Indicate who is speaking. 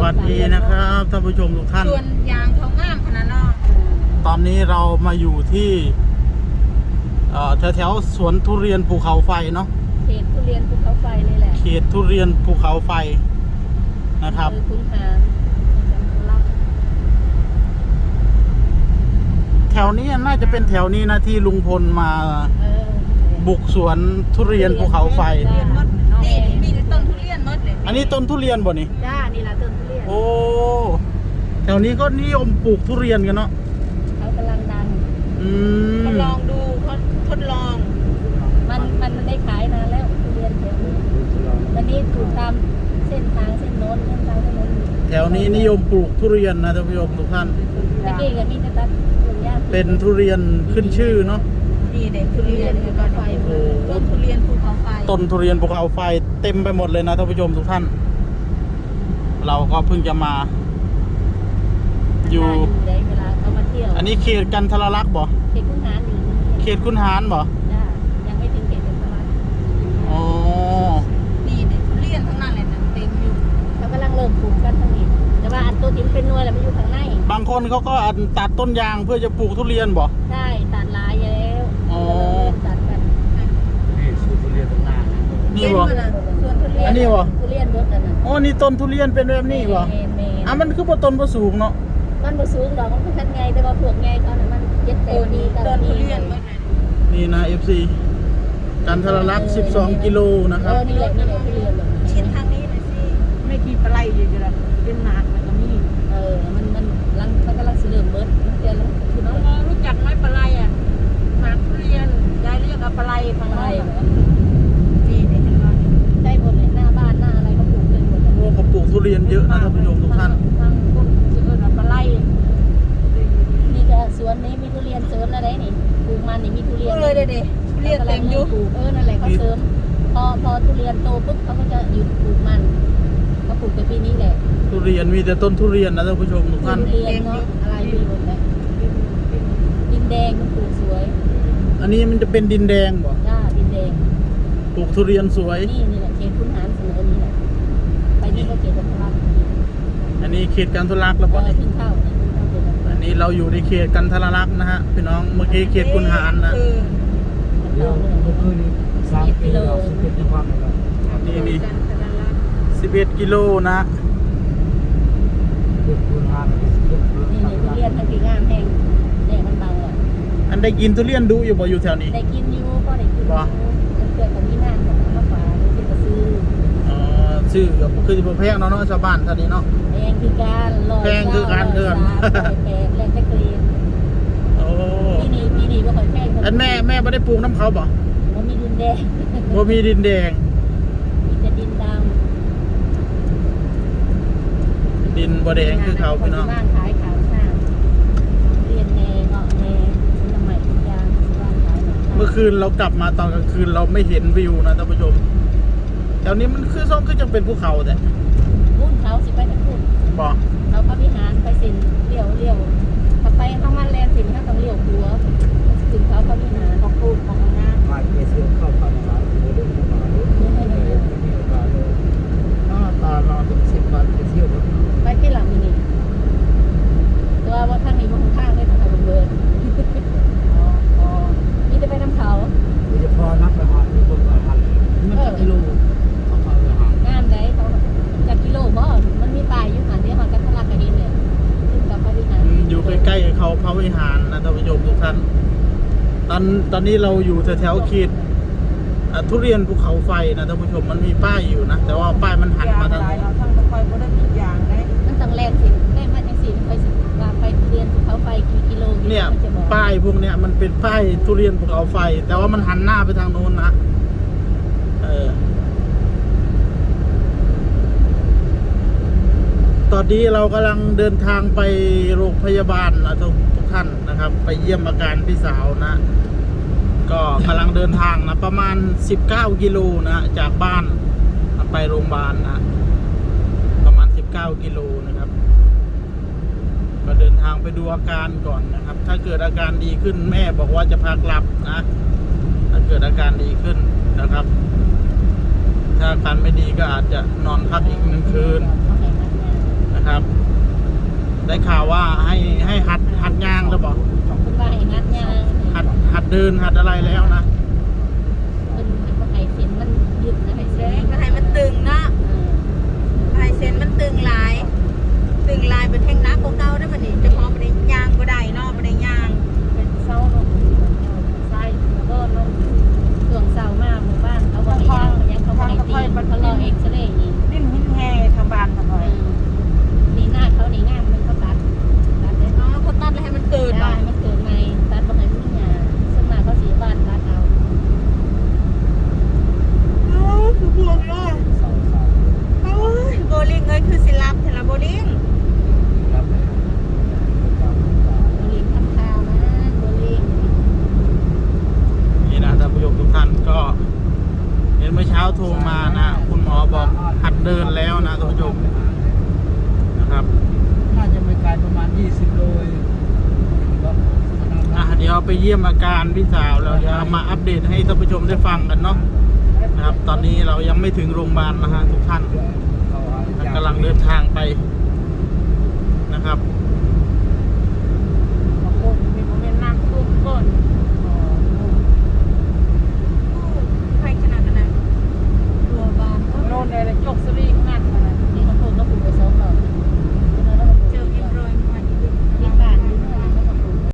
Speaker 1: วัสดีนะครับท่านผู้ชมทุกท่าน
Speaker 2: ส่วนยางเขางามขนาดนั้น
Speaker 1: ตอนนี้เรามาอยู่ที่แถวสวนทุเรียนภูเขาไฟเนาะ
Speaker 3: เขตทุเรียนภูเขาไฟเลยแหละ
Speaker 1: เขตทุเรียนภูเขาไฟนะครับ
Speaker 3: คุณหารรับ
Speaker 1: แถวนี้น่าจะเป็นแถวนี้นะที่ลุงพลมาบุกสวนทุเรียนภูเขาไฟ
Speaker 2: นี่มีต้นทุเรียนมดเลย
Speaker 1: อันนี้ต้นทุเรียนบ่นี่
Speaker 3: จ้านี่ละต้นทุเรียน
Speaker 1: โอ้แถวนี้ก็นิยมปลูกทุเรียนกันเนาะ
Speaker 3: เขากำลังดัง
Speaker 2: ทดลองดูเขาทดลอง
Speaker 3: มันได้ขายนานแล้วทุเรียนแถวนี้วันนี้ถูกตามเส้นทางเส้นโน้น
Speaker 1: แถวนี้นิยมปลูกทุเรียนนะท่านผู้ชมทุกท่าน
Speaker 3: ตะกี้กับมีตัด
Speaker 1: เป็นทุเรียนขึ้นชื่อเนาะ
Speaker 2: นี่เด็กทุเรียนภูเขาไฟต้นทุเรียนภูเขาไฟ
Speaker 1: ต้นทุเรียนภูเขาไฟเต็มไปหมดเลยนะท่านผู้ชมทุกท่านเราก็เพิ่งจะมาอยู่
Speaker 3: เวลาเขามาเที่ยว
Speaker 1: อันนี้เขตกันทรลักษณ์บ่
Speaker 3: เขตคุณหาร
Speaker 1: เขตคุณหารบ่
Speaker 3: ยังไม่ถึงเขตกันทรลักษณ์
Speaker 1: อ๋อ
Speaker 2: นี่เด็กทุเรียนทั้งนั้นเลยนะเต็มอยู่
Speaker 3: เขากำลังเริ่มปลูกกันทั้งนี้แต่ว่าอันตัวที่เป็นนวลแล้วมันอยู่ข้างใน
Speaker 1: บางคนเขาก็ตัดต้นยางเพื่อจะปลูกทุเรียนบ่
Speaker 3: ใช่ตัดลายแล้วตัดกัน
Speaker 4: นี่สูตรทุเรียนตรงหน้า
Speaker 1: นี่บ่อันนี้บ่
Speaker 3: ทุเรียนรสอันนั้น
Speaker 1: อ๋อนี่ต้นทุเรียนเป็นแบบนี้บ่มันคือบ่ต้นบ่สูงเนาะ
Speaker 3: มันบ่สูงดอกมันคือคันไงแต่ว่าพวกไงเขาน่ะมัน7-8ปี
Speaker 2: ต้นทุเรียน
Speaker 1: นี่นะ FC กันทรลักษณ์12กิโลนะครับ
Speaker 3: นี่แหละทุเรียน
Speaker 2: ชิ้นทางนี้หน่อยสิไม่กี่ปลายอยู่ๆล่ะเป็นหมากมันก็มี
Speaker 3: มันกำลังสิเริ่มเบิดเดี๋ยวคือน้
Speaker 2: องรู้จักไหมปลายอ่ะหมากทุเรียนยายเรียกว่าปลายทางไรจีนเนี่ย
Speaker 3: ใช่หมดเลยหน้าบ้านหน้าอะไรก็ปลูกเลยหมด
Speaker 1: โอ้เขาปลูกทุเรียนเยอะนะท่านผู้ชมทุกท่าน
Speaker 2: ทางพวกชื่อว่าปลาย
Speaker 3: นี่ก็สวนนี้มีทุเรียนเสริมอะไรนี่ปลูกมันนี่มีทุเรียน
Speaker 2: เด็ดทุเรียนเต็มอยู่
Speaker 3: นั่นแหละเขาเสริมพอทุเรียนโตปุ๊บเขาก็จะหยุดปลูกมันเขาปลูกแต่ปีนี้แหละ
Speaker 1: ทุเรียนมีแต่ต้นทุเรียนนะท่านผู้ชมทุกท่าน
Speaker 3: ทุเรียนเนาะอะไรมีหมดเลยดินแดงมันปลูกสวย
Speaker 1: อันนี้มันจะเป็นดินแดงบ่
Speaker 3: จ้าดินแดง
Speaker 1: ปลูกทุเรียนสวย
Speaker 3: นี่แหละเขตคุณหารเสนอนี่แหละไปนี่ก็เขตกันทรลักษณ์
Speaker 1: อันนี้เขตกันทรลักษณ์แล้วบ่นี่อันนี้เราอยู่ในเขตกันทรลักษณ์นะฮะพี่น้องเมื่อกี้เขตคุณหารนะ
Speaker 4: เดี๋ยวเมื่อคืนนี้3 กิโล11จังหวัดเลย
Speaker 1: นี่11 กิโลนะ
Speaker 4: เขตคุณหาร
Speaker 3: นี่ทุเรียนทั้งที่งามแห้งแดดมันเบาอ่ะ
Speaker 1: อันได้กินทุเรียนดูอยู่บ่อยู่แถวนี้
Speaker 3: ได้กินอยู่ก็ได้กินบ่เกิดกับมีงานของมาฝากที่จะซื้อ
Speaker 1: ซื้อคือสิบ่แพงเนาะชาวบ้านท่านี้เนาะ
Speaker 3: แพงคือการ
Speaker 1: แพงคือการเดือน
Speaker 3: แพงแรงตะเกียบ
Speaker 1: โอ้
Speaker 3: ปีนี้บ่ค่อยแพง
Speaker 1: อันแม่บ่ได้ปลูกน้ำเขาบ่
Speaker 3: บ่มีดินแดง
Speaker 1: บ่มีดินแดง
Speaker 3: มีแต่ดินด
Speaker 1: ำดินบ่แดงคือเขาพี่น้อง
Speaker 3: บ้านขายขาวหน้าเรียนแนเงาะแนสมัยทุกอย่างบ้านขาย
Speaker 1: เมื่อคืนเรากลับมาตอนกลางคืนเราไม่เห็นวิวนะท่านผู้ชมแถวนี้มันคือซ่องคือจังเป็นภูเขาแต่
Speaker 3: พุ่นเขาสิไปทางพุ่น
Speaker 1: บ่
Speaker 3: เขาพระวิหารไปสินเลี้ยวถ้าไปเข้ามาแลนสินก็ต้องเลี้ยวหัวถึงเขาพระวิหารของพูดของงาน
Speaker 4: มาเที่ยวเข้าพันมาเรื่องมาตาเราเป็น10 วันไปเที่ยว
Speaker 3: ไปที่หลังนี่ตัวว่าทางนี้มันข้างได้ทางเบิร์นนี่จะไปน้ำเขา
Speaker 4: นี่จะพอนับไปหาที่คนมาหันมันจะกิโลเขาพาไปหาง
Speaker 3: านไหนเขาจากกิโลบ่มันมีป้ายอยู่หันที่หอกันทะลักกระดินเลยกับพระวิหาร
Speaker 1: อยู่ใกล้ๆเขาพระวิหารนะท่านผู้ชมทุกท่านตอนนี้เราอยู่แถวเขตทุเรียนภูเขาไฟนะท่านผู้ชมมันมีป้ายอยู่นะแต่ว่าป้ายมันหันมาทาง
Speaker 2: เราทางตะไคร้บ่ได้มีอย่างได้
Speaker 3: มันต้องแล่นสิแล่นมาจังซี่ไปสิว่าไปทุเรียนภูเขาไฟกี่กิโล
Speaker 1: เนี่ยป้ายพวกเนี้ยมันเป็นป้ายทุเรียนภูเขาไฟแต่ว่ามันหันหน้าไปทางโน้นนะตอนนี้เรากำลังเดินทางไปโรงพยาบาลนะทุกท่านนะครับไปเยี่ยมอาการพี่สาวนะก็กำลังเดินทางนะประมาณ19 กิโลนะจากบ้านไปโรงพยาบาลนะประมาณ19 กิโลนะครับก็เดินทางไปดูอาการก่อนนะครับถ้าเกิดอาการดีขึ้นแม่บอกว่าจะพากลับนะถ้าเกิดอาการดีขึ้นนะครับถ้าอาการไม่ดีก็อาจจะนอนพักอีก1 คืนนะครับได้ข่าวว่าให้หัดย่างหรือเปล่า
Speaker 3: คุณว่าให้งัดยาง
Speaker 1: หัดเดินหัดอะไรแล้วนะ
Speaker 3: เป็นว่าให้เส้นมันยึดนะให้เส้น
Speaker 2: ก็ให้มันตึงเนาะให้เส้นมันตึงลายเป็นแท่งนักเก่าๆได้บัดนี้จะพอบ่ได้ย่างบ่ได้เนาะบ่ได้ย่าง
Speaker 3: เป็นเสาลงใส่แล้วก็ลงเครื่องเสามากหมู่บ้านเขาบอกให้ย่างยังเขาบอกให้ตีเขาลองเอ็กซเรย์นี่
Speaker 2: ดิ้นหินแห่ทางบ้านทางหน่อย
Speaker 3: นี่หน้าเขานี่งามมันเขาตัดได้
Speaker 2: อ๋อเขาตัดแล้วให้มันเกิด
Speaker 3: ได้
Speaker 2: เนาะ
Speaker 3: มันเกิดใหม่ตัดบ่ให้มันมีหญ้าส่วนมากเขาสีบ้านตัดเอา
Speaker 2: คือบวมเนาะโอ้ยโบลิ่งเอ้ยคือสิรับแต่ละโบลิ่ง
Speaker 3: โบลิ่งทำข้าวนะโบลิ่ง
Speaker 1: นี่นะท่านผู้ชมทุกท่านก็เห็นเมื่อเช้าโทรมานะคุณหมอบอกหัดเดินแล้วนะท่านผู้ชมนะครับ
Speaker 4: น่าจะไม่ไกลประมาณ20 โลเอง
Speaker 1: เดี๋ยวไปเยี่ยมอาการพี่สาวแล้วเดี๋ยวมาอัปเดตให้ท่านผู้ชมได้ฟังกันเนาะนะครับ ตอนนี้เรายังไม่ถึงโรงพยาบาลนะฮะทุกท่านกำลังเดินทางไป